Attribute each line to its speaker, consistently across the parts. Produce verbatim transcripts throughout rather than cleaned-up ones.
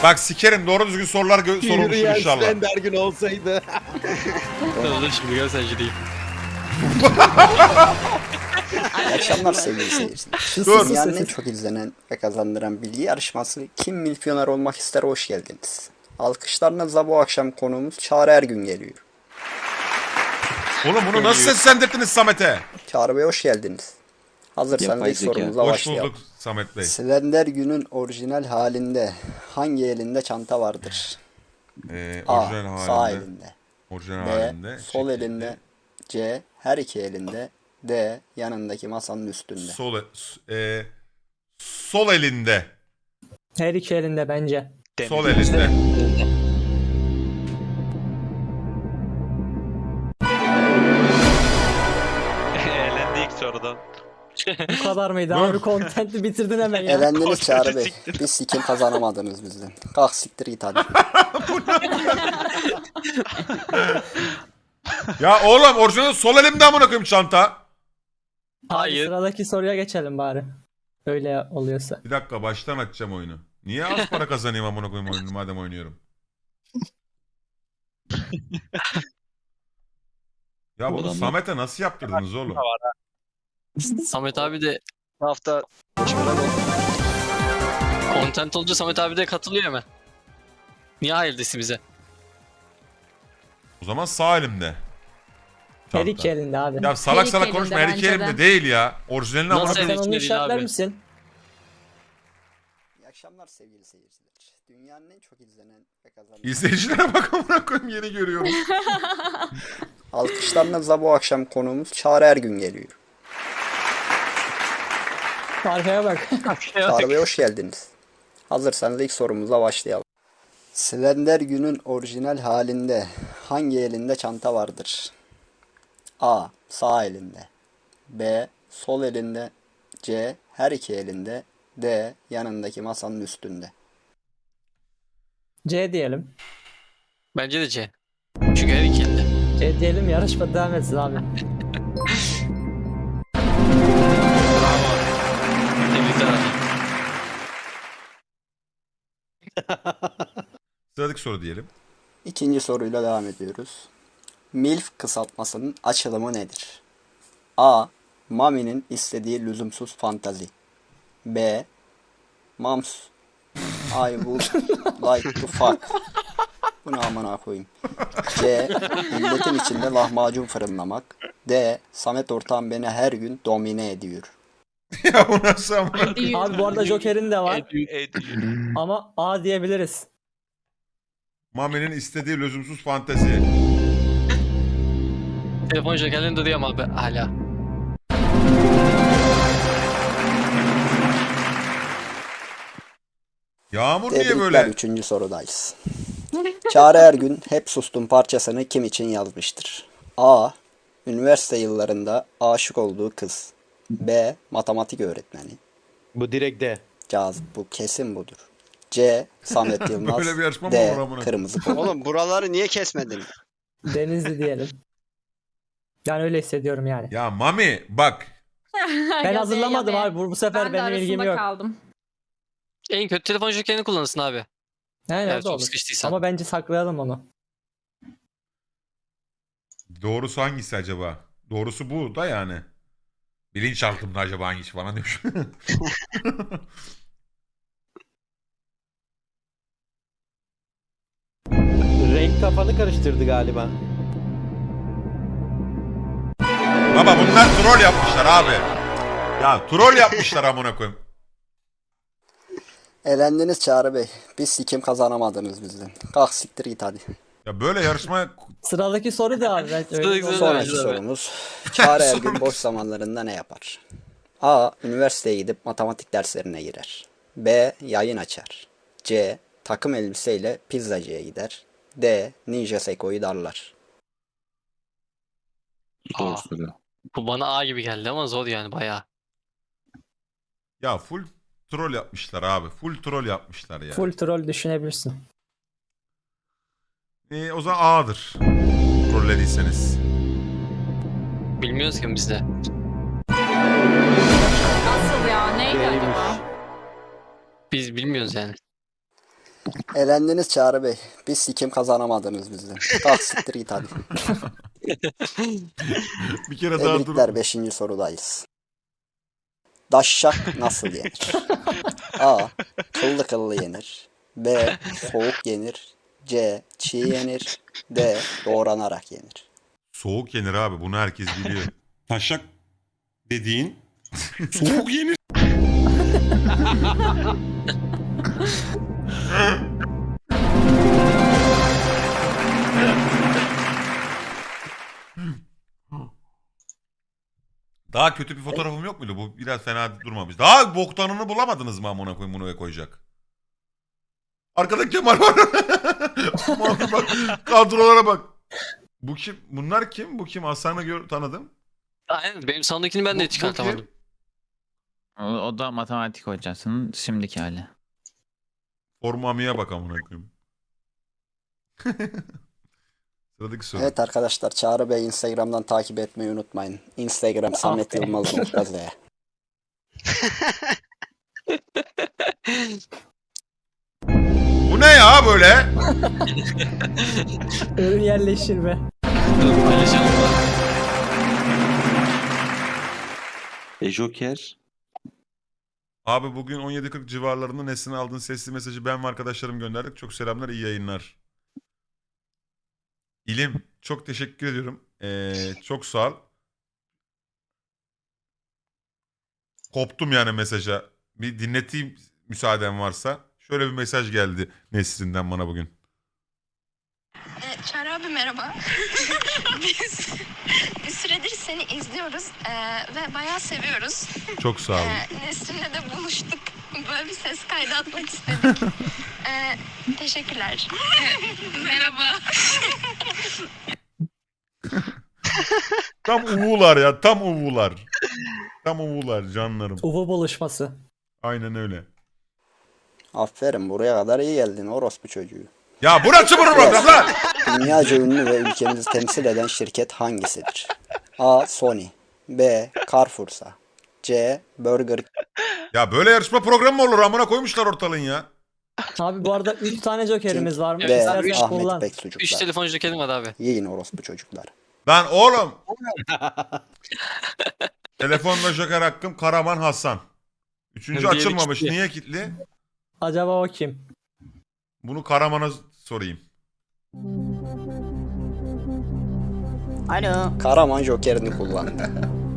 Speaker 1: Bak sikerim doğru düzgün sorular gö- sorulmuştur
Speaker 2: Yürüyen
Speaker 1: inşallah.
Speaker 2: Slender gün olsaydı.
Speaker 3: Dur şimdi gör sen ciddi.
Speaker 4: İyi akşamlar sevgili seyirciler.
Speaker 1: Dur.
Speaker 4: Dünyanın en çok izlenen ve kazandıran bilgi yarışması Kim Milyoner Olmak İster hoş geldiniz. Alkışlarınızla bu akşam konuğumuz Çağrı Ergün geliyor.
Speaker 1: Oğlum bunu nasıl seslendirdiniz Samet'e?
Speaker 4: Çağrı Bey hoş geldiniz. Hazırsanız
Speaker 2: Yapay
Speaker 4: ilk
Speaker 2: zeka.
Speaker 4: sorumuza
Speaker 1: Hoş
Speaker 4: başlayalım.
Speaker 1: bulduk Samet Bey.
Speaker 4: Slender Gün'ün orijinal halinde hangi elinde çanta vardır?
Speaker 1: Ee,
Speaker 4: A.
Speaker 1: orijinal
Speaker 4: Sağ
Speaker 1: halinde.
Speaker 4: elinde.
Speaker 1: Orijinal
Speaker 4: B.
Speaker 1: halinde.
Speaker 4: Sol
Speaker 1: şekilde.
Speaker 4: elinde. C. Her iki elinde. D. Yanındaki masanın üstünde.
Speaker 1: Sol, e, e, sol elinde.
Speaker 5: Her iki elinde bence.
Speaker 1: Sol elinde.
Speaker 3: Eğlendi ilk sorudan.
Speaker 5: Bu kadar mıydı?
Speaker 1: Dur.
Speaker 5: Abi content'i bitirdin hemen ya.
Speaker 4: Elendiniz Çağrı
Speaker 3: Kontenti
Speaker 4: Bey.
Speaker 3: siktir.
Speaker 4: Bir sikim kazanamadınız bizden. Kalk siktir git hadi.
Speaker 1: Ya oğlum orijinal sol elimde amına koyayım çanta.
Speaker 5: Abi
Speaker 3: Hayır.
Speaker 5: sıradaki soruya geçelim bari. Öyle oluyorsa.
Speaker 1: Bir dakika baştan açacağım oyunu. Niye az para kazanayım amına koyayım oyunu madem oynuyorum. Ya bunu
Speaker 3: Adamlar-
Speaker 1: Samet'e nasıl yaptırdınız oğlum?
Speaker 3: Samet abi de
Speaker 6: Bu hafta
Speaker 3: content olunca Samet abi de katılıyor hemen. Niye hayır desin bize?
Speaker 1: O zaman sağ elimde.
Speaker 5: Her
Speaker 1: Çanta.
Speaker 5: iki elinde abi.
Speaker 1: Ya salak
Speaker 7: Her iki
Speaker 1: salak
Speaker 7: elinde
Speaker 1: konuşma her iki
Speaker 7: bence
Speaker 1: elimde
Speaker 7: de.
Speaker 1: değil ya. Orijinalini amına
Speaker 3: Nasıl
Speaker 1: koyayım.
Speaker 5: Sen
Speaker 3: elinde
Speaker 5: onu
Speaker 3: değil
Speaker 5: işaretler
Speaker 3: abi?
Speaker 5: misin?
Speaker 4: İyi akşamlar sevgili seyirciler. Dünyanın en çok izlenen ve kazanan...
Speaker 1: İzleyicilere bak amına koyayım yeni görüyorum.
Speaker 4: Alkışlarınızla bu akşam konuğumuz Çağrı Ergün geliyor.
Speaker 5: Arkaya bak.
Speaker 4: Çağrı Bey hoş geldiniz. Hazırsanız ilk sorumuza başlayalım. Slender Gün'ün orijinal halinde hangi elinde çanta vardır? A. Sağ elinde. B. Sol elinde. C. Her iki elinde. D. Yanındaki masanın üstünde.
Speaker 5: C diyelim.
Speaker 3: Bence de C. Çünkü her iki elde.
Speaker 5: C diyelim, yarışma devam etsin abi.
Speaker 3: Bravo. Tebrikler abi.
Speaker 1: Sıradaki soru diyelim.
Speaker 4: İkinci soruyla devam ediyoruz. MILF kısaltmasının açılımı nedir? A. Mami'nin istediği lüzumsuz fantazi. B. Moms I would like to fuck. Bunu amına koyayım. C. Milletin içinde lahmacun fırınlamak. D. Samet Ortağım beni her gün domine ediyor.
Speaker 1: Ya bu nasıl amına?
Speaker 5: Abi bu arada Joker'in de var
Speaker 3: Ediyor.
Speaker 5: ama A diyebiliriz.
Speaker 1: Mami'nin istediği lüzumsuz fantezi.
Speaker 3: Telefon jokerlerini de duyuyorum abi hala.
Speaker 1: Yağmur niye
Speaker 4: Tebrikler,
Speaker 1: böyle?
Speaker 4: üçüncü sorudayız. Çağrı Ergün Hep Sustum parçasını kim için yazmıştır? A. Üniversite yıllarında aşık olduğu kız. B. Matematik öğretmeni.
Speaker 2: Bu direkt de.
Speaker 4: Cazip, bu kesin budur. C. Samet Yılmaz.
Speaker 1: Böyle bir yarışma mı
Speaker 4: D.
Speaker 1: olur amına?
Speaker 4: Kırmızı kol.
Speaker 6: oğlum buraları niye kesmedin?
Speaker 5: Denizli diyelim. Yani öyle hissediyorum yani.
Speaker 1: Ya Mami bak.
Speaker 5: Ben hazırlamadım abi. Bu, bu sefer
Speaker 7: Ben de
Speaker 5: benim ilgim
Speaker 7: arasında
Speaker 5: yok.
Speaker 7: kaldım.
Speaker 3: En kötü telefon jokerini kullanırsın abi.
Speaker 5: Aynen
Speaker 3: Eğer
Speaker 5: o da
Speaker 3: çok
Speaker 5: olur.
Speaker 3: sıkıştıysan.
Speaker 5: Ama bence saklayalım onu.
Speaker 1: Doğrusu hangisi acaba? Doğrusu bu da yani. Bilinçaltımda acaba hangisi falan demiş.
Speaker 2: Renk kafanı karıştırdı galiba.
Speaker 1: Baba bunlar troll yapmışlar abi. Ya troll yapmışlar amına koyayım.
Speaker 4: Elendiniz Çağrı Bey. Biz sikim kazanamadınız bizden. Kalk siktir git hadi.
Speaker 1: Ya böyle yarışma
Speaker 5: Sıradaki soru da abi. Ben öyle
Speaker 3: Sıradaki soru da-
Speaker 4: Sonraki
Speaker 3: Tabii.
Speaker 4: sorumuz. Çağrı Ergün boş zamanlarında ne yapar? A. Üniversiteye gidip matematik derslerine girer. B. Yayın açar. C. Takım elbiseyle pizzacıya gider. D. Ninja Seko'yu darlar.
Speaker 3: Aa, bu bana A gibi geldi ama zor yani bayağı.
Speaker 1: ya full troll yapmışlar abi. Full troll yapmışlar ya.
Speaker 5: full troll düşünebilirsin.
Speaker 1: Ee, o zaman A'dır. Trollediyseniz.
Speaker 3: Bilmiyoruz ki biz de.
Speaker 7: Nasıl ya? Neydi
Speaker 2: Neymiş?
Speaker 7: acaba?
Speaker 3: Biz bilmiyoruz yani.
Speaker 4: Elendiniz Çağrı Bey. Biz sikim kazanamadınız bizden. Kalk siktir git hadi.
Speaker 1: Bir kere daha dur.
Speaker 4: Tebrikler beşinci sorudayız. Daşşak nasıl yenir? A. Kıllı kıllı yenir. B. Soğuk yenir. C. Çiğ yenir. D. Doğranarak yenir.
Speaker 1: Soğuk yenir abi. Bunu herkes biliyor.
Speaker 7: Taşak dediğin soğuk yenir.
Speaker 1: Daha kötü bir fotoğrafım yok muydu? Bu biraz fena durmamış. Daha boktanını bulamadınız mı amına koyayım bunu koyacak? Arkada Kemal var. Bak, bak, kadrolara bak. Bu kim? Bunlar kim? Bu kim? Hasan'ı gör tanıdım.
Speaker 3: Aynen benim sondakini ben
Speaker 1: Bu-
Speaker 3: de
Speaker 1: bu
Speaker 3: çıkartamadım.
Speaker 8: O, o da matematik hocasının şimdiki hali.
Speaker 1: Formamiye bak amına koyayım. Sıradaki soru.
Speaker 4: Evet arkadaşlar Çağrı Bey Instagram'dan takip etmeyi unutmayın. Instagram Samet Yılmaz nokta Z.
Speaker 1: Bu ne ya böyle?
Speaker 5: Ürün yerleştirme.
Speaker 3: Dur, paylaşalım mı?
Speaker 9: E Joker.
Speaker 1: Abi bugün on yedi kırk civarlarında Nesrin'e aldığın sesli mesajı ben ve arkadaşlarım gönderdik. Çok selamlar, iyi yayınlar. İlim, çok teşekkür ediyorum. Ee, çok sağ ol. Koptum yani mesaja. Bir dinleteyim müsaaden varsa. Şöyle bir mesaj geldi Nesrin'den bana bugün.
Speaker 10: E, Çağrı abi merhaba. Biz bir süredir seni izliyoruz e, ve bayağı seviyoruz.
Speaker 1: Çok sağ olun.
Speaker 10: E, Nesrin'le de buluştuk. Böyle bir ses kaydı atmak istedik. E, teşekkürler. E, merhaba.
Speaker 1: Tam uvular ya, tam uvular. Tam uvular canlarım.
Speaker 5: Uvu buluşması.
Speaker 1: Aynen öyle.
Speaker 4: Aferin buraya kadar iyi geldin orospu çocuğu.
Speaker 1: Ya burası mı program lan?
Speaker 4: Dünyaca ünlü ve ülkemizi temsil eden şirket hangisidir? A. Sony. B. Carrefour'sa. C. Burger
Speaker 1: Ya böyle yarışma programı mı olur? Amına koymuşlar ortalığın ya.
Speaker 5: Abi bu arada üç tane jokerimiz var mı?
Speaker 3: Evet,
Speaker 4: D.
Speaker 5: İstersen
Speaker 3: üç-
Speaker 4: Ahmet
Speaker 5: kullan.
Speaker 3: Üç
Speaker 4: Beksucuklar.
Speaker 3: telefon jokerim var abi.
Speaker 4: Yiyin orospu çocuklar.
Speaker 1: Lan oğlum. Telefonla joker hakkım Karaman Hasan. Üçüncü
Speaker 3: Diğeri
Speaker 1: açılmamış.
Speaker 3: kilitli.
Speaker 1: Niye kilitli?
Speaker 5: Acaba o kim?
Speaker 1: Bunu Karaman'a sorayım.
Speaker 4: Alo. Karaman jokerini kullandı.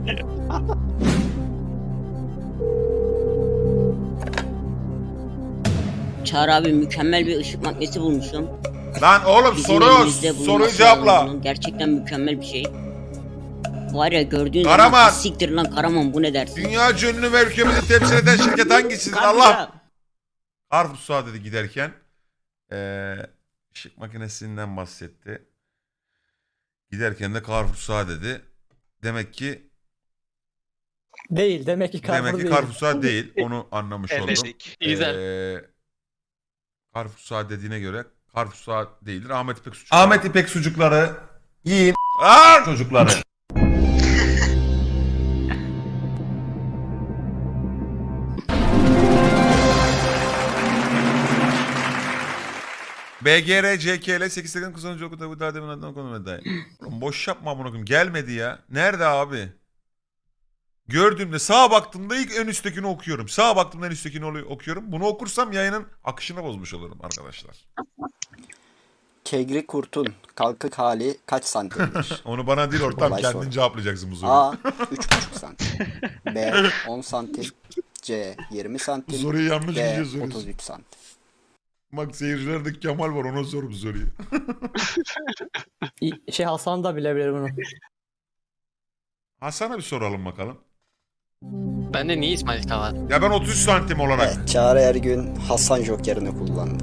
Speaker 11: Çağrı abi mükemmel bir ışık makinesi bulmuşum.
Speaker 1: Lan oğlum
Speaker 11: Bizim
Speaker 1: soru
Speaker 11: elimizde
Speaker 1: soruyu
Speaker 11: bulunması
Speaker 1: cevapla.
Speaker 11: lazım bunun. Gerçekten mükemmel bir şey. Var ya gördüğün
Speaker 1: Karaman.
Speaker 11: zaman siktir lan Karaman bu ne dersin?
Speaker 1: Dünya ünlü ve ülkemizi temsil eden şirket hangisidir? Allah. Carrefour'a dedi giderken. Ee, ışık makinesinden bahsetti. Giderken de Carrefour'a dedi. Demek ki
Speaker 5: Değil. Demek ki Carrefour
Speaker 1: demek ki
Speaker 5: değil.
Speaker 1: Carrefour'a değil. Onu anlamış oldum.
Speaker 6: Eledik.
Speaker 3: Güzel.
Speaker 1: Ee, Carrefour'a dediğine göre Carrefour'a değildir. Ahmet İpek sucukları. Ahmet İpek sucukları yiyin. Aa! Çocukları. B G R C K L sekiz seksen kızınca okudu bu daha demin adına konu dair. Boş yapma amına koyayım. Gelmedi ya. Nerede abi? Gördüğümde sağa baktığımda ilk en üsttekini okuyorum. Sağa baktığımda en üsttekini okuyorum. Bunu okursam yayının akışını bozmuş olurum arkadaşlar.
Speaker 4: Kegri kurtun kalkık hali kaç santimdir?
Speaker 1: Onu bana değil ortam
Speaker 4: Kolay
Speaker 1: kendin
Speaker 4: soru.
Speaker 1: cevaplayacaksın bu soruyu.
Speaker 4: A. üç buçuk santim. B. on santim. C. yirmi santim.
Speaker 1: Soruyu yanlış
Speaker 4: D.
Speaker 1: kişiye soruyorsun.
Speaker 4: otuz üç santim.
Speaker 1: Bak seyircilerde Kemal var ona sor bu soruyu.
Speaker 5: İ- Şey Hasan da bilebilir bunu.
Speaker 1: Hasan'a bir soralım bakalım.
Speaker 3: Bende niye İsmail K var?
Speaker 1: Ya ben otuz üç santim olarak.
Speaker 4: Evet, Çağrı Ergün Hasan jokerini kullandı.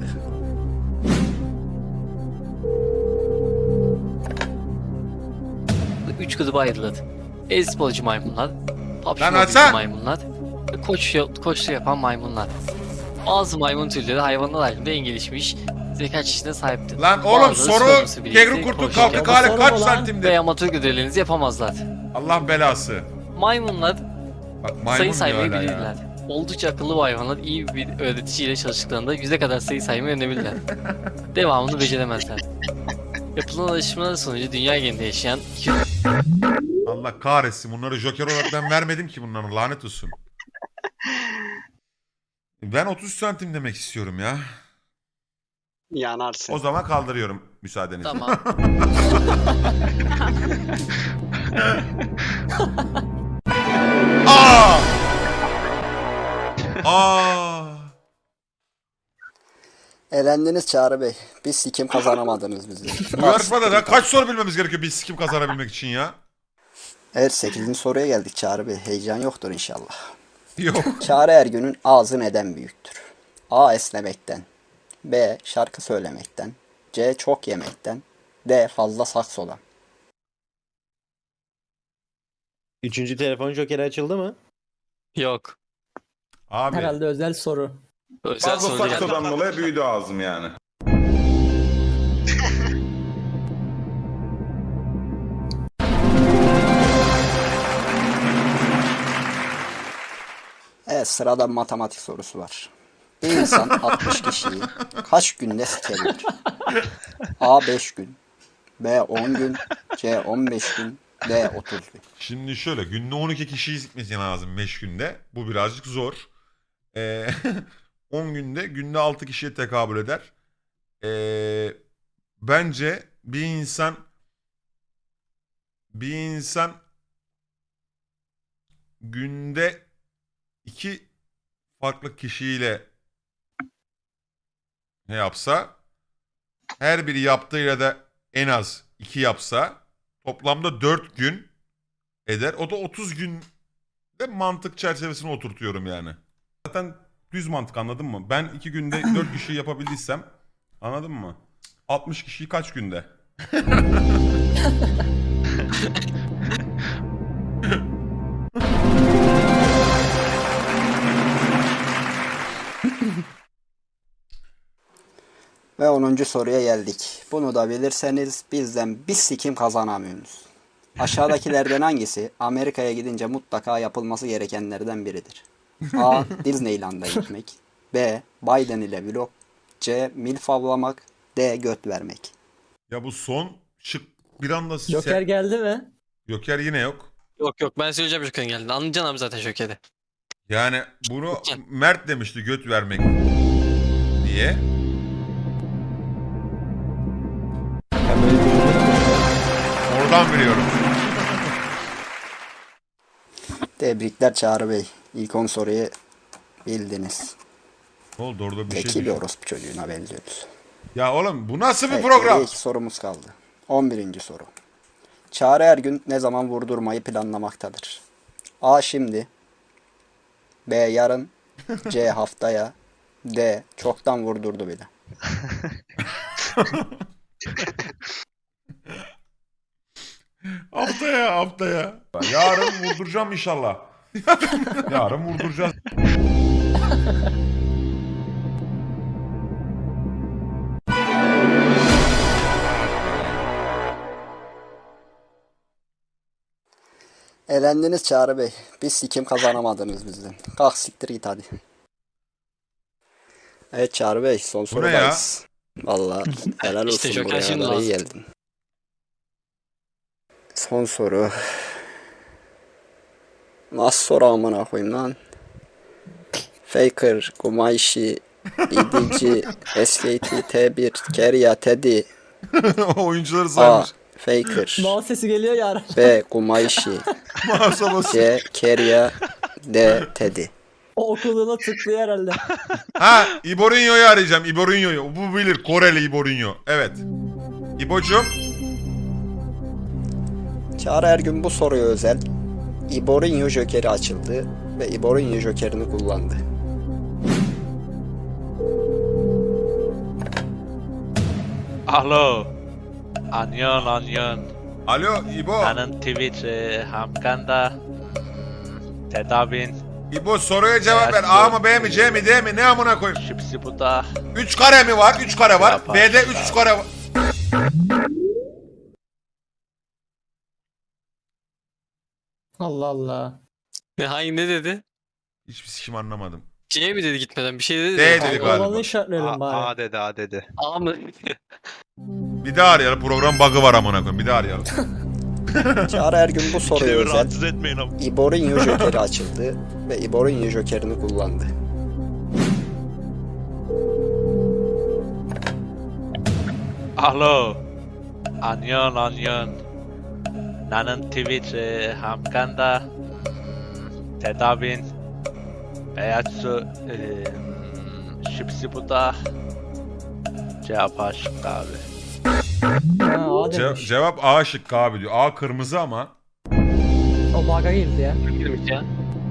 Speaker 3: Üç gruba ayrılır. E-sporcu maymunlar, PUBG
Speaker 1: Lan
Speaker 3: Mobile
Speaker 1: Hasan!
Speaker 3: maymunlar, ve koç, koçlu yapan maymunlar. Bazı maymun türleri hayvanlar aleminde en gelişmiş zeka çeşidine sahiptir.
Speaker 1: Lan oğlum
Speaker 3: Bazıları
Speaker 1: soru
Speaker 3: sorumlusu birlikte
Speaker 1: Kegri kurtu
Speaker 3: koşu
Speaker 1: kalkık
Speaker 3: yapar
Speaker 1: hali
Speaker 5: soru
Speaker 1: kaç
Speaker 5: mu lan?
Speaker 1: santimdir?
Speaker 3: ve amatör görevlerinizi yapamazlar.
Speaker 1: Allah belası.
Speaker 3: Maymunlar
Speaker 1: Bak
Speaker 3: sayı
Speaker 1: maymun diyor
Speaker 3: saymayı
Speaker 1: hala
Speaker 3: bilirler.
Speaker 1: ya.
Speaker 3: Oldukça akıllı bu hayvanlar iyi bir öğreticiyle çalıştıklarında yüze kadar sayı saymayı öğrenebilirler. Devamını beceremezler. Yapılan alışmalar sonucu dünya genelinde yaşayan iki
Speaker 1: Allah kahretsin, bunları Joker olarak ben vermedim ki bunların, lanet olsun. Ben otuz santim demek istiyorum ya.
Speaker 6: Yanarsın.
Speaker 1: O zaman kaldırıyorum müsaadenizle.
Speaker 3: Tamam.
Speaker 1: Aa! Aa!
Speaker 4: Elendiniz Çağrı Bey. Biz sikim kazanamadınız bizi.
Speaker 1: Bu yarışmada da kaç soru bilmemiz gerekiyor biz kim kazanabilmek için ya?
Speaker 4: Evet, sekizinci soruya geldik Çağrı Bey. Heyecan yoktur inşallah.
Speaker 1: Yok.
Speaker 4: Çağrı Ergün'ün ağzı neden büyüktür? A. Esnemekten. B. Şarkı söylemekten. C. Çok yemekten. D. Fazla saksodan.
Speaker 2: Üçüncü telefon jokeri açıldı mı?
Speaker 3: Yok.
Speaker 1: Abi.
Speaker 5: Herhalde özel soru.
Speaker 3: Özel
Speaker 12: Fazla
Speaker 3: soru geldi.
Speaker 12: saksodan dolayı büyüdü ağzım yani.
Speaker 4: Evet, sırada matematik sorusu var. Bir insan altmış kişiyi kaç günde sikebilir? A. beş gün. B. on gün. C. on beş gün. D. otuz gün.
Speaker 1: Şimdi şöyle, günde on iki kişiyi sikmesi lazım beş günde. Bu birazcık zor. Ee, on günde günde altı kişiye tekabül eder. Ee, bence bir insan bir insan günde iki farklı kişiyle ne yapsa, her biri yaptığıyla da en az iki yapsa toplamda dört gün eder. O da otuz gün de mantık çerçevesine oturtuyorum yani.
Speaker 7: Zaten düz mantık, anladın mı? Ben iki günde dört kişi yapabildiysem, anladın mı? altmış kişiyi kaç günde?
Speaker 4: Ve onuncu soruya geldik. Bunu da bilirseniz bizden bir sikim kazanamıyorsunuz. Aşağıdakilerden hangisi Amerika'ya gidince mutlaka yapılması gerekenlerden biridir? A. Disneyland'a gitmek. B. Biden ile vlog. C. Milf avlamak. D. Göt vermek.
Speaker 1: Ya bu son şık bir anda
Speaker 5: Joker
Speaker 1: se-
Speaker 5: geldi mi?
Speaker 1: Joker yine yok.
Speaker 3: Yok yok, ben söyleyeceğim Joker'in geldi. Anlayacaksın abi zaten Joker'i.
Speaker 1: Yani bunu Mert demişti, göt vermek diye.
Speaker 2: Ben böyle düşünüyorum.
Speaker 1: Oradan biliyorum.
Speaker 4: Tebrikler Çağrı Bey. İlk on soruyu bildiniz.
Speaker 1: Ne oldu orada bir şey
Speaker 4: Zeki bir
Speaker 1: düşün.
Speaker 4: orospu çocuğuna benziyoruz.
Speaker 1: Ya oğlum bu nasıl bir
Speaker 4: Evet,
Speaker 1: program?
Speaker 4: geriye iki sorumuz kaldı. on birinci soru. Çağrı Ergün ne zaman vurdurmayı planlamaktadır? A. Şimdi. B. Yarın. C. Haftaya. D. Çoktan vurdurdu bile.
Speaker 1: Haftaya haftaya. Yarın vurduracağım inşallah. Yarın vurduracağız.
Speaker 4: Elendiniz Çağrı Bey. Biz sikim kazanamadınız bizden. Kalk siktir git hadi. Evet Çağrı Bey, son
Speaker 1: ne
Speaker 4: sorudayız. Vallahi helal
Speaker 3: İşte
Speaker 4: olsun,
Speaker 3: Joker
Speaker 4: buraya
Speaker 3: şimdi
Speaker 4: kadar iyi
Speaker 3: lazım.
Speaker 4: geldin. Son soru. Nasıl soru amına koyayım lan? Faker, Gumayshi, E D G, S K T, T bir, Keria, Teddy.
Speaker 1: Oyuncuları
Speaker 4: A.
Speaker 1: saymış.
Speaker 4: Faker.
Speaker 5: Mouse sesi geliyor ya.
Speaker 4: B. Gumayshi.
Speaker 1: Mouse'a basıyor.
Speaker 4: C. Keria. D. Teddy.
Speaker 5: O okuduğuna tıklıyor herhalde.
Speaker 1: Ha, Iborinho'yu arayacağım. Iborinho'yu. Bu bilir. Koreli Iborinho. Evet. İbocuğum.
Speaker 4: Çağrı Ergün bu soruya özel Iborinho Joker'i açıldı ve Iborinho Joker'ini kullandı.
Speaker 12: Alo. Anyon anyon.
Speaker 1: Alo İbo.
Speaker 12: Na는 Twitch hamkanda. Tedavin.
Speaker 1: İbo soruya cevap ver. A mı B mi C mi D mi? Ne amına koyayım?
Speaker 12: Şipsi bu da.
Speaker 1: üç kare mi var? üç kare var.
Speaker 12: Yapar.
Speaker 1: B'de üç kare var.
Speaker 5: Allah Allah.
Speaker 3: Ne hangi ne dedi?
Speaker 1: Hiçbir sikim anlamadım.
Speaker 3: C mi dedi gitmeden? Bir şey dedi.
Speaker 1: D
Speaker 3: de.
Speaker 1: dedi galiba.
Speaker 5: Olanı işaretleyelim
Speaker 12: A,
Speaker 5: bari.
Speaker 12: A dedi A dedi.
Speaker 3: A mı?
Speaker 1: Bir daha arayalım. Program bug'ı var amına koyayım. Bir daha arayalım.
Speaker 4: Çağrı Ergün bu soruya
Speaker 12: İkide bir
Speaker 4: özel
Speaker 12: rahatsız etmeyin ama.
Speaker 4: Iborinho Joker'i açıldı ve Iborinho Joker'ini kullandı.
Speaker 12: Alo. Anyon anyon. 나는 Twitch'e hamkanda tedavin beyazı şipsibuda cevap aşık abi.
Speaker 5: Ha, A
Speaker 1: Ce-
Speaker 5: demiş.
Speaker 1: cevap A şıkkı abi diyor. A kırmızı ama.
Speaker 5: O bug'a girdi ya.
Speaker 3: Girmiş ya.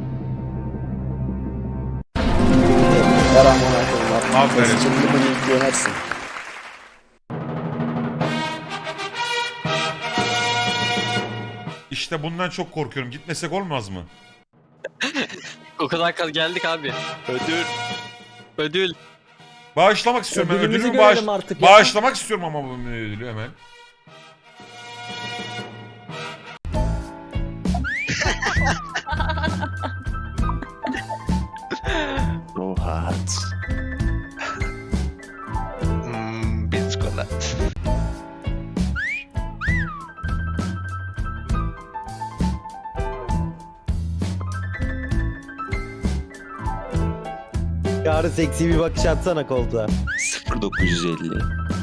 Speaker 4: Ver amına koyayım.
Speaker 1: Aferin.
Speaker 4: Şimdi bunu yüklenersin.
Speaker 1: İşte bundan çok korkuyorum. Gitmesek olmaz mı?
Speaker 3: O kadar kal geldik abi.
Speaker 12: Ödül.
Speaker 3: Ödül.
Speaker 1: Bağışlamak istiyorum ben.
Speaker 5: Ödülümüzü
Speaker 1: Ödülümü bağış...
Speaker 5: görelim artık ya.
Speaker 1: bağışlamak istiyorum ama bu ödülü hemen.
Speaker 9: Rohat.
Speaker 12: Hmm, biskolat.
Speaker 2: Çağrı seksi bir bakış atsana koltuğa.
Speaker 9: sıfır dokuz yüz elli.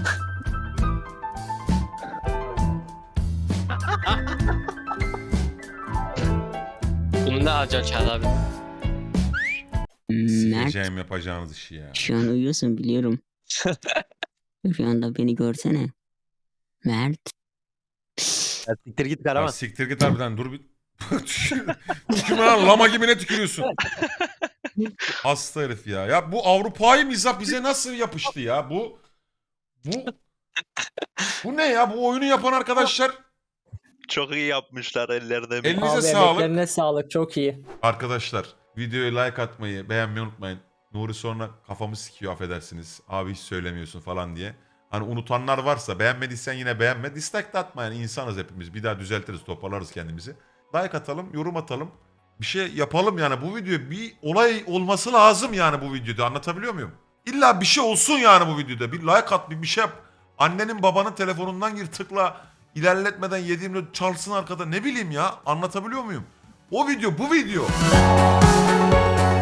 Speaker 3: Bunu ne alacaksın Çağrı abi?
Speaker 11: Mert,
Speaker 1: Sikeceğim yapacağınız işi ya.
Speaker 11: şu an uyuyorsun biliyorum. Rüyanda beni görsene. Mert.
Speaker 2: Ya siktir git
Speaker 1: Ya
Speaker 2: Karaman.
Speaker 1: siktir git harbiden dur bir. Tükür- Tükürme lan lama gibi ne tükürüyorsun? Hasta herif ya. Ya bu Avrupa'yı mizah bize nasıl yapıştı ya? Bu bu bu ne ya? Bu oyunu yapan arkadaşlar
Speaker 12: Çok iyi yapmışlar ellerine.
Speaker 1: elinize
Speaker 5: Abi
Speaker 1: sağlık.
Speaker 5: emeklerine sağlık. Çok iyi.
Speaker 1: Arkadaşlar videoya like atmayı, beğenmeyi unutmayın. Nuri sonra kafamı sikiyor affedersiniz. Abi hiç söylemiyorsun falan diye. Hani unutanlar varsa beğenmediysen yine beğenme. Dislike de atma yani insanız hepimiz. Bir daha düzeltiriz, toparlarız kendimizi. Like atalım, yorum atalım. Bir şey yapalım yani bu video bir olay olması lazım yani bu videoda anlatabiliyor muyum? İlla bir şey olsun yani bu videoda. Bir like at, bir bir şey yap. Annenin babanın telefonundan gir tıkla. İlerletmeden yediğimde çalsın arkada ne bileyim ya anlatabiliyor muyum? O video bu video.